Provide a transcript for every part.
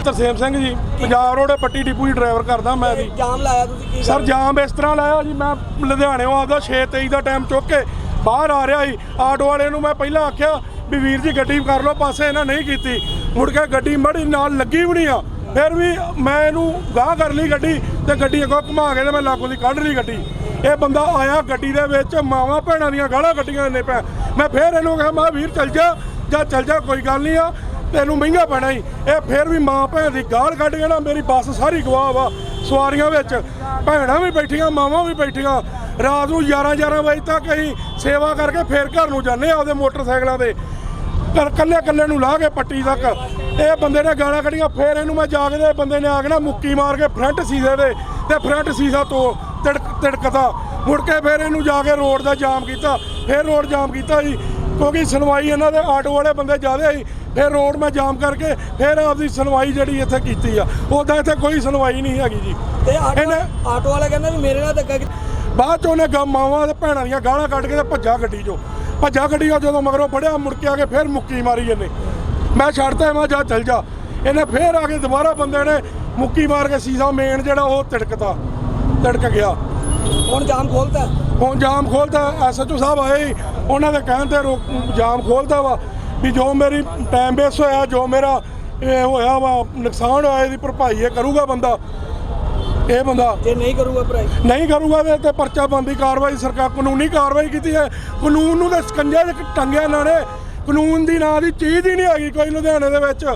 Tarsem Singh ji, Punjab road Patti depot ਦੀ driver ਕਰਦਾ ਮੈਂ ਜੀ। ਜਾਮ ਲਾਇਆ ਤੁਸੀਂ ਕੀ ਸਰ ਜਾਮ ਇਸ ਤਰ੍ਹਾਂ ਲਾਇਆ ਜੀ, ਮੈਂ ਲੁਧਿਆਣਿਓਂ ਆਪਦਾ 6:23 ਦਾ ਟਾਈਮ ਚੁੱਕ ਕੇ ਬਾਹਰ ਆ ਰਿਹਾ ਸੀ। ਆਟੋ ਵਾਲੇ ਨੂੰ ਮੈਂ ਪਹਿਲਾਂ ਆਖਿਆ ਵੀ ਵੀਰ ਜੀ ਗੱਡੀ ਕਰ ਲਓ ਪਾਸੇ, ਇਹਨਾਂ ਨਹੀਂ ਕੀਤੀ। ਮੁੜ ਕੇ ਗੱਡੀ ਮੜੀ ਨਾਲ ਲੱਗੀ ਵੀ ਨਹੀਂ ਆ, ਫਿਰ ਵੀ ਮੈਂ ਇਹਨੂੰ ਗਾਂਹ ਕਰ ਲਈ ਗੱਡੀ ਤੇ ਗੱਡੀ ਅੱਗੋਂ ਘੁਮਾ ਕੇ ਤੇ ਮੈਂ ਲਾਗੋਂ ਦੀ ਕੱਢ ਲਈ ਗੱਡੀ। ਇਹ ਬੰਦਾ ਆਇਆ ਗੱਡੀ ਦੇ ਵਿੱਚ, ਮਾਵਾਂ ਭੈਣਾਂ ਦੀਆਂ ਗਾਲਾਂ ਕੱਢੀਆਂ ਇੰਨੇ ਪੈ। ਮੈਂ ਫਿਰ ਇਹਨੂੰ ਕਿਹਾ ਮੈਂ ਵੀਰ ਚੱਲ ਜਾ ਜਾਂ ਚੱਲ ਜਾ, ਕੋਈ ਗੱਲ ਨਹੀਂ ਆ, ਤੈਨੂੰ ਮਹਿੰਗਾ ਪੈਣਾ ਹੀ। ਇਹ ਫਿਰ ਵੀ ਮਾਂ ਭੈਣ ਦੀ ਗਾਲ ਕੱਢ ਕੇ ਨਾ ਮੇਰੀ ਬੱਸ ਸਾਰੀ ਗਵਾਹ ਵਾ। ਸਵਾਰੀਆਂ ਵਿੱਚ ਭੈਣਾਂ ਵੀ ਬੈਠੀਆਂ, ਮਾਵਾਂ ਵੀ ਬੈਠੀਆਂ। ਰਾਤ ਨੂੰ 11 ਵਜੇ ਤੱਕ ਅਸੀਂ ਸੇਵਾ ਕਰਕੇ ਫਿਰ ਘਰ ਨੂੰ ਜਾਂਦੇ ਆਪਦੇ ਮੋਟਰਸਾਈਕਲਾਂ ਤੇ, ਕੱਲੇ ਨੂੰ ਲਾ ਕੇ ਪੱਟੀ ਤੱਕ। ਇਹ ਬੰਦੇ ਨੇ ਗਾਲਾਂ ਕੱਢੀਆਂ। ਫਿਰ ਇਹਨੂੰ ਮੈਂ ਜਾ ਕੇ ਬੰਦੇ ਨੇ ਆ ਕੇ ਨਾ ਮੁੱਕੀ ਮਾਰ ਕੇ ਫਰੰਟ ਸੀਸੇ ਦੇ ਤੇ ਫਰੰਟ ਸੀਸਾ ਤੋਂ ਤਿੜਕਦਾ। ਮੁੜ ਕੇ ਫਿਰ ਇਹਨੂੰ ਜਾ ਕੇ ਰੋਡ ਦਾ ਜਾਮ ਕੀਤਾ। ਫਿਰ ਰੋਡ ਜਾਮ ਕੀਤਾ ਜੀ, ਕਿਉਂਕਿ ਸੁਣਵਾਈ ਇਹਨਾਂ ਦੇ ਆਟੋ ਵਾਲੇ ਬੰਦੇ ਜ਼ਿਆਦਾ ਸੀ। ਫਿਰ ਰੋਡ ਮੈਂ ਜਾਮ ਕਰਕੇ ਫਿਰ ਆਪਦੀ ਸੁਣਵਾਈ ਜਿਹੜੀ ਇੱਥੇ ਕੀਤੀ ਆ। ਉੱਦਾਂ ਇੱਥੇ ਕੋਈ ਸੁਣਵਾਈ ਨਹੀਂ ਹੈਗੀ ਜੀ। ਤੇ ਆਟੋ ਵਾਲਾ ਕਹਿੰਦਾ ਵੀ ਮੇਰੇ ਨਾਲ ਧੱਕਾ ਕੀਤਾ। ਬਾਅਦ 'ਚ ਉਹਨੇ ਮਾਵਾਂ ਤੇ ਭੈਣਾਂ ਦੀਆਂ ਗਾਲਾਂ ਕੱਢ ਕੇ ਤੇ ਭੱਜਾ ਗੱਡੀ 'ਚੋਂ। ਜਦੋਂ ਮਗਰੋਂ ਫੜਿਆ ਮੁੜ ਕੇ ਆ ਕੇ ਫਿਰ ਮੁੱਕੀ ਮਾਰੀ ਇਹਨੇ। ਮੈਂ ਛੱਡਤਾ, ਮੈਂ ਜਾ ਚੱਲ ਜਾ। ਇਹਨੇ ਫਿਰ ਆ ਕੇ ਦੁਬਾਰਾ ਬੰਦੇ ਨੇ ਮੁੱਕੀ ਮਾਰ ਕੇ ਸੀਸਾ ਮੇਨ ਜਿਹੜਾ ਉਹ ਤਿੜਕ ਗਿਆ। ਹੁਣ ਜਾਮ ਖੋਲਤਾ, ਹੁਣ ਜਾਮ ਖੋਲਤਾ। SHO ਸਾਹਿਬ ਆਏ, ਉਹਨਾਂ ਦੇ ਕਹਿਣ ਤੇ ਜਾਮ ਖੋਲਤਾ ਵਾ ਵੀ ਜੋ ਮੇਰੀ ਟਾਈਮ ਵੇਸਟ ਹੋਇਆ, ਜੋ ਮੇਰਾ ਇਹ ਹੋਇਆ ਵਾ ਨੁਕਸਾਨ ਹੋਇਆ, ਇਹਦੀ ਭਰਪਾਈ ਇਹ ਕਰੂਗਾ ਬੰਦਾ। ਇਹ ਬੰਦਾ ਜੇ ਨਹੀਂ ਕਰੂਗਾ ਭਰਾਈ ਨਹੀਂ ਕਰੂਗਾ ਤੇ ਪਰਚਾ ਬੰਦੀ ਕਾਰਵਾਈ, ਸਰਕਾਰ ਕਾਨੂੰਨੀ ਕਾਰਵਾਈ ਕੀਤੀ ਹੈ। ਕਾਨੂੰਨ ਨੂੰ ਤਾਂ ਸਕੰਜੇ 'ਚ ਟੰਗਿਆ ਇਹਨਾਂ ਨੇ। ਕਾਨੂੰਨ ਦੀ ਨਾਂ ਦੀ ਚੀਜ਼ ਹੀ ਨਹੀਂ ਹੈਗੀ ਕੋਈ ਲੁਧਿਆਣੇ ਦੇ ਵਿੱਚ।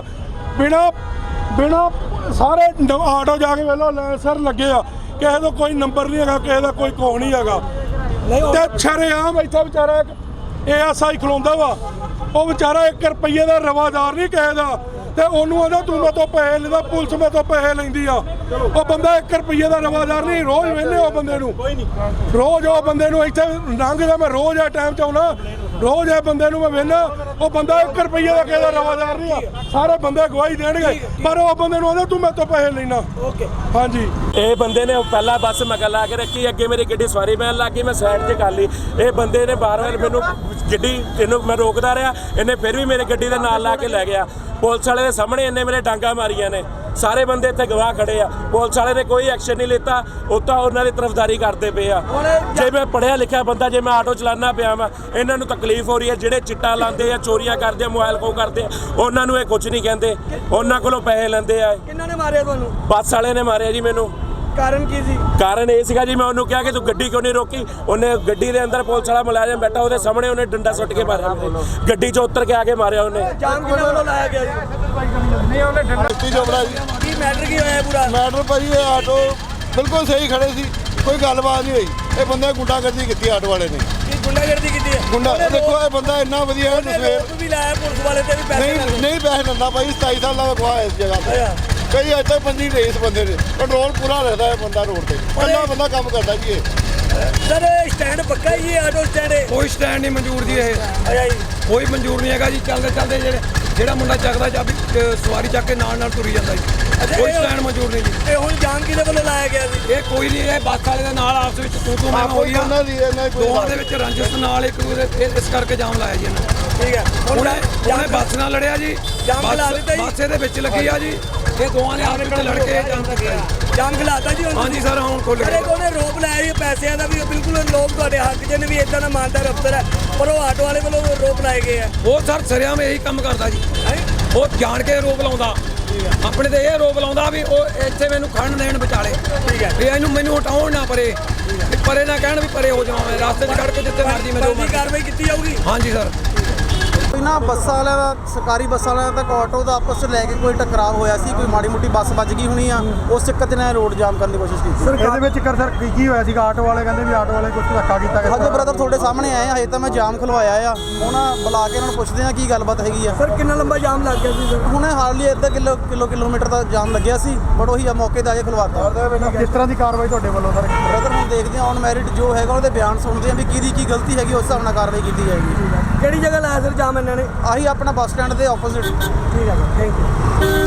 ਬਿਨਾਂ ਸਾਰੇ ਆਟੋ ਜਾ ਕੇ ਵੇਲੋ ਸਰ ਲੱਗੇ ਆ, ਕਿਸੇ ਦਾ ਕੋਈ ਨੰਬਰ ਨਹੀਂ ਹੈਗਾ, ਕਿਸੇ ਦਾ ਕੋਈ ਕੋਹ ਨਹੀਂ ਹੈਗਾ। ਤੇ ਸ਼ਰੇਆਮ ਇੱਥੇ ਵਿਚਾਰਾ ASI ਖਲੋਂਦਾ ਵਾ, ਉਹ ਵਿਚਾਰਾ 1 ਰੁਪਈਏ ਦਾ ਰਵਾਦਾਰ ਨਹੀਂ ਕਿਸੇ ਦਾ, ਤੇ ਉਹਨੂੰ ਆਂਦਾ ਤੂੰ ਮੇਰੇ ਤੋਂ ਪੈਸੇ ਲੈਂਦਾ, ਪੁਲਿਸ ਮੇਰੇ ਤੋਂ ਪੈਸੇ ਲੈਂਦੀ ਆ। ਉਹ ਬੰਦਾ 1 ਰੁਪਈਏ ਦਾ ਰਵਾਦਾਰ ਨਹੀਂ। ਰੋਜ਼ ਵੇਖਦੇ ਉਹ ਬੰਦੇ ਨੂੰ, ਰੋਜ਼ ਉਹ ਬੰਦੇ ਨੂੰ ਇੱਥੇ ਲੰਘਦਾ। ਮੈਂ ਰੋਜ਼ ਆ ਟਾਈਮ 'ਚ ਆਉਣਾ, ਰੋਜ਼ ਇਹ ਬੰਦੇ ਨੂੰ ਮੈਂ ਵੇਖਦਾ। ਉਹ ਬੰਦਾ 1 ਰੁਪਈਏ ਦਾ ਕਿਸੇ ਦਾ ਰਵਾਦਾਰ ਨਹੀਂ ਆ। ਸਾਰੇ ਬੰਦੇ ਗਵਾਹੀ ਦੇਣਗੇ, ਪਰ ਉਹ ਬੰਦੇ ਨੂੰ ਆਂਦਾ ਤੂੰ ਮੇਰੇ ਤੋਂ ਪੈਸੇ ਲੈਣਾ। ਹਾਂਜੀ, ਇਹ ਬੰਦੇ ਨੇ ਪਹਿਲਾਂ ਬੱਸ ਮਗਰ ਲਾ ਕੇ ਰੱਖੀ, ਅੱਗੇ ਮੇਰੀ ਗੱਡੀ ਸਵਾਰੀ ਪੈਣ ਲੱਗ ਗਈ, ਮੈਂ ਸਾਈਡ 'ਚ ਕਰ ਲਈ। ਇਹ ਬੰਦੇ ਨੇ ਬਾਰ-ਬਾਰ ਮੈਨੂੰ ਇਹਨੂੰ ਮੈਂ ਰੋਕਦਾ ਰਿਹਾ, ਇਹਨੇ ਫਿਰ ਵੀ ਮੇਰੇ ਗੱਡੀ ਦੇ ਨਾਲ ਲਾ ਕੇ ਲੈ ਗਿਆ। ਪੁਲਿਸ ਵਾਲੇ ਦੇ ਸਾਹਮਣੇ ਇਹਨੇ ਮੇਰੇ ਡਾਂਗਾ ਮਾਰੀਆਂ ਨੇ। ਸਾਰੇ ਬੰਦੇ ਇੱਥੇ ਗਵਾਹ ਖੜੇ ਆ। ਪੁਲਿਸ ਵਾਲੇ ਨੇ ਕੋਈ ਐਕਸ਼ਨ ਨਹੀਂ ਲਿੱਤਾ, ਉਹ ਤਾਂ ਉਹਨਾਂ ਦੀ ਤਰਫਦਾਰੀ ਕਰਦੇ ਪਏ ਆ। ਜੇ ਮੈਂ ਪੜ੍ਹਿਆ ਲਿਖਿਆ ਬੰਦਾ, ਜੇ ਮੈਂ ਆਟੋ ਚਲਾਉਣਾ ਪਿਆ ਵਾ, ਇਹਨਾਂ ਨੂੰ ਤਕਲੀਫ ਹੋ ਰਹੀ ਹੈ। ਜਿਹੜੇ ਚਿੱਟਾ ਲਾਉਂਦੇ ਆ, ਚੋਰੀਆਂ ਕਰਦੇ ਆ, ਮੋਬਾਈਲ ਖੋਹ ਕਰਦੇ ਆ, ਉਹਨਾਂ ਨੂੰ ਇਹ ਕੁਝ ਨਹੀਂ ਕਹਿੰਦੇ, ਉਹਨਾਂ ਕੋਲੋਂ ਪੈਸੇ ਲੈਂਦੇ ਆ। ਕਿਹਨਾਂ ਨੇ ਮਾਰਿਆ ਤੁਹਾਨੂੰ? ਬੱਸ ਵਾਲੇ ਨੇ ਮਾਰਿਆ ਜੀ ਮੈਨੂੰ। ਕਾਰਨ ਕੀ ਸੀ? ਕਾਰਨ ਇਹ ਸੀਗਾ ਜੀ, ਮੈਂ ਉਹਨੂੰ ਕਿਹਾ ਕਿ ਤੂੰ ਗੱਡੀ ਕਿਉਂ ਨਹੀਂ ਰੋਕੀ। ਉਹਨੇ ਗੱਡੀ ਦੇ ਅੰਦਰ ਪੁਲਿਸ ਵਾਲਾ ਮੁਲਾਜ਼ਮ ਬੈਠਾ, ਉਹਦੇ ਸਾਹਮਣੇ ਉਹਨੇ ਡੰਡਾ ਸੁੱਟ ਕੇ ਮਾਰਿਆ। ਗੱਡੀ 'ਚੋਂ ਉੱਤਰ ਕੇ ਆ ਕੇ ਮਾਰਿਆ ਉਹਨੇ। ਜਾਮ ਕਿਹਨਾਂ ਵੱਲੋਂ ਲਾਇਆ ਗਿਆ ਜੀ? ਨਹੀਂ ਉਹਨੇ ਡੰਡਾ ਚੋਪੜਾ ਜੀ। ਕੀ ਮੈਟਰ ਕੀ ਹੋਇਆ ਪੂਰਾ? ਮੈਟਰ ਭਾਜੀ ਇਹ ਆਟੋ ਬਿਲਕੁਲ ਸਹੀ ਖੜੇ ਸੀ, ਕੋਈ ਗੱਲਬਾਤ ਨਹੀਂ ਹੋਈ। ਇਹ ਬੰਦੇ ਗੁੰਡਾਗਰਦੀ ਕੀਤੀ ਆਟੋ ਵਾਲੇ ਨੇ। ਕੀ ਗੁੰਡਾਗਰਦੀ ਕੀਤੀ ਹੈ? ਗੁੰਡਾ ਦੇਖੋ, ਇਹ ਬੰਦਾ ਇੰਨਾ ਵਧੀਆ ਹੈ। ਰੋਕ ਵੀ ਲਾਇਆ ਪੁਲਿਸ ਵਾਲੇ ਤੇ ਵੀ ਪੈਸੇ ਨਹੀਂ ਪੈਸੇ ਦਿੰਦਾ ਭਾਈ। 27 ਸਾਲਾਂ ਦਾ ਗਵਾਹ ਇਸ ਜਗ੍ਹਾ ਤੇ। ਕਈ ਅੱਜ ਤੱਕ ਬੰਦੀ ਰਹੇ ਇਸ ਬੰਦੇ ਨੇ। ਕੰਟਰੋਲ ਪੂਰਾ ਰੱਖਦਾ ਹੈ ਬੰਦਾ ਰੋਡ ਤੇ, ਇਕੱਲਾ ਬੰਦਾ ਕੰਮ ਕਰਦਾ ਜੀ ਇਹ। ਸਰ ਸਟੈਂਡ ਪੱਕਾ ਹੀ ਹੈ, ਆਟੋ ਸਟੈਂਡ? ਕੋਈ ਸਟੈਂਡ ਨਹੀਂ ਮਨਜ਼ੂਰ ਜੀ ਇਹ। ਅੱਛਾ ਜੀ, ਕੋਈ ਮਨਜ਼ੂਰ ਨਹੀਂ ਹੈਗਾ ਜੀ। ਚੱਲਦੇ ਜਿਹੜਾ ਮੁੰਡਾ ਚੱਕਦਾ ਜਾਂ ਸਵਾਰੀ ਚੱਕ ਕੇ ਨਾਲ ਤੁਰੀ ਜਾਂਦਾ ਜੀ। ਕੋਈ ਸਟੈਂਡ ਮਨਜ਼ੂਰ ਨਹੀਂ ਜੀ। ਇਹ ਹੁਣ ਜਾਮ ਕਿਹਦੇ ਵੱਲੋਂ ਲਾਇਆ ਗਿਆ ਸੀ? ਇਹ ਕੋਈ ਨਹੀਂ, ਇਹ ਬੱਸ ਵਾਲੇ ਦੇ ਨਾਲ ਆਪਸ ਵਿੱਚ ਤੂੰ ਮੈਂ ਹੋਈ ਆ। ਦੋਵਾਂ ਦੇ ਵਿੱਚ ਰੰਜਿਸ਼ ਨਾਲ ਇੱਕ ਦੂਜੇ ਇਸ ਕਰਕੇ ਜਾਮ ਲਾਇਆ ਜੀ ਇਹਨਾਂ ਨੇ। ਠੀਕ ਹੈ, ਉਹਨੇ ਬੱਸ ਨਾਲ ਲੜਿਆ ਜੀ, ਬੱਸ ਇਹਦੇ ਵਿੱਚ ਲੱਗੀ ਆ ਜੀ। ਇਹ ਦੋਵਾਂ ਨੇ ਆਪਸ ਵਿੱਚ ਲੜ ਕੇ ਜਾਮ ਕੀਤਾ ਜੀ। ਜਾਮ ਖਿਲਾਤਾ ਜੀ? ਹਾਂਜੀ ਸਰ, ਹੁਣ ਖੁੱਲ੍ਹ ਗਿਆ। ਉਹਨੇ ਰੋਪ ਲਾਇਆ ਜੀ ਪੈਸਿਆਂ ਦਾ, ਵੀ ਬਿਲਕੁਲ ਲੋਕ ਤੁਹਾਡੇ ਹੱਕ 'ਚ ਨੇ, ਵੀ ਇਦਾਂ ਦਾ ਇਮਾਨਦਾਰ ਅਫਸਰ ਹੈ, ਪਰ ਉਹ ਆਟੋ ਵਾਲੇ ਵੱਲੋਂ ਰੋਪ ਲਾਏ ਗਏ ਆ। ਉਹ ਸਰ ਸਰਿਆਮ ਇਹੀ ਕੰਮ ਕਰਦਾ ਜੀ। ਉਹ ਜਾਣ ਕੇ ਰੋਕ ਲਾਉਂਦਾ, ਆਪਣੇ ਤੇ ਇਹ ਰੋਕ ਲਾਉਂਦਾ ਵੀ ਉਹ ਇੱਥੇ ਮੈਨੂੰ ਖੜਨ ਦੇਣ ਵਿਚਾਲੇ। ਠੀਕ ਹੈ, ਵੀ ਮੈਨੂੰ ਹਟਾਉਣ ਨਾ ਪਰੇ ਨਾ ਕਹਿਣ ਵੀ ਪਰੇ ਹੋ ਜਾਵਾਂ। ਮੈਂ ਰਸਤੇ 'ਚ ਖੜ ਕੇ ਜਿੱਥੇ ਮਰਜ਼ੀ ਮੈਂ ਜੋ ਕਾਰਵਾਈ ਕੀਤੀ ਜਾਊਗੀ। ਹਾਂਜੀ ਸਰ। ਕੋਈ ਨਾ ਬੱਸਾਂ ਵਾਲਿਆਂ ਦਾ, ਸਰਕਾਰੀ ਬੱਸਾਂ ਵਾਲਿਆਂ ਦਾ ਆਟੋ ਦਾ ਆਪਸ 'ਚ ਲੈ ਕੇ ਕੋਈ ਟਕਰਾਅ ਹੋਇਆ ਸੀ। ਕੋਈ ਮਾੜੀ ਮੋਟੀ ਬੱਸ ਵੱਜ ਗਈ ਹੋਣੀ ਆ, ਉਸ ਚੱਕਰ 'ਚ ਨਾ ਰੋਡ ਜਾਮ ਕਰਨ ਦੀ ਕੋਸ਼ਿਸ਼ ਕੀਤੀ। ਸਰ ਇਹਦੇ ਵਿੱਚ ਸਰ ਕੀ ਹੋਇਆ ਸੀਗਾ? ਆਟੋ ਵਾਲੇ ਕਹਿੰਦੇ ਵੀ ਆਟੋ ਵਾਲੇ ਕੁਝ ਧੱਕਾ ਕੀਤਾ ਗਿਆ। ਹਜੇ ਬ੍ਰਦਰ ਤੁਹਾਡੇ ਸਾਹਮਣੇ ਆਏ ਆ, ਹਜੇ ਤਾਂ ਮੈਂ ਜਾਮ ਖਲਵਾਇਆ ਆ। ਹੁਣ ਬੁਲਾ ਕੇ ਇਹਨਾਂ ਨੂੰ ਪੁੱਛਦੇ ਆ ਕੀ ਗੱਲਬਾਤ ਹੈਗੀ ਆ। ਸਰ ਕਿੰਨਾ ਲੰਬਾ ਜਾਮ ਲੱਗ ਗਿਆ ਸੀ ਸਰ? ਹੁਣ ਹਾਰਡਲੀ ਅੱਧਾ ਕਿਲੋਮੀਟਰ ਦਾ ਜਾਮ ਲੱਗਿਆ ਸੀ, ਬਟ ਉਹੀ ਆ ਮੌਕੇ 'ਤੇ ਆ ਕੇ ਖਲਵਾਤਾ। ਕਿਸ ਤਰ੍ਹਾਂ ਦੀ ਕਾਰਵਾਈ ਤੁਹਾਡੇ ਵੱਲੋਂ ਸਰ? ਬ੍ਰਦਰ ਹੁਣ ਦੇਖਦੇ ਆ, ਔਨ ਮੈਰਿਟ ਜੋ ਹੈਗਾ ਉਹਦੇ ਬਿਆਨ ਸੁਣਦੇ ਆ ਵੀ ਕਿਹਦੀ ਕੀ ਗਲਤੀ ਹੈਗੀ, ਉਸ ਹਿਸਾਬ ਨਾਲ ਕਾਰਵਾਈ ਕੀਤੀ ਜਾਏਗੀ। ਕਿਹੜੀ ਜਗ੍ਹਾ ਲਾਇਆ ਸਰ ਜਾਮ ਇਹਨਾਂ ਨੇ? ਆਹੀ ਆਪਣਾ ਬੱਸ ਸਟੈਂਡ ਦੇ ਆਪੋਜ਼ਿਟ। ਠੀਕ ਹੈ, ਥੈਂਕ ਯੂ।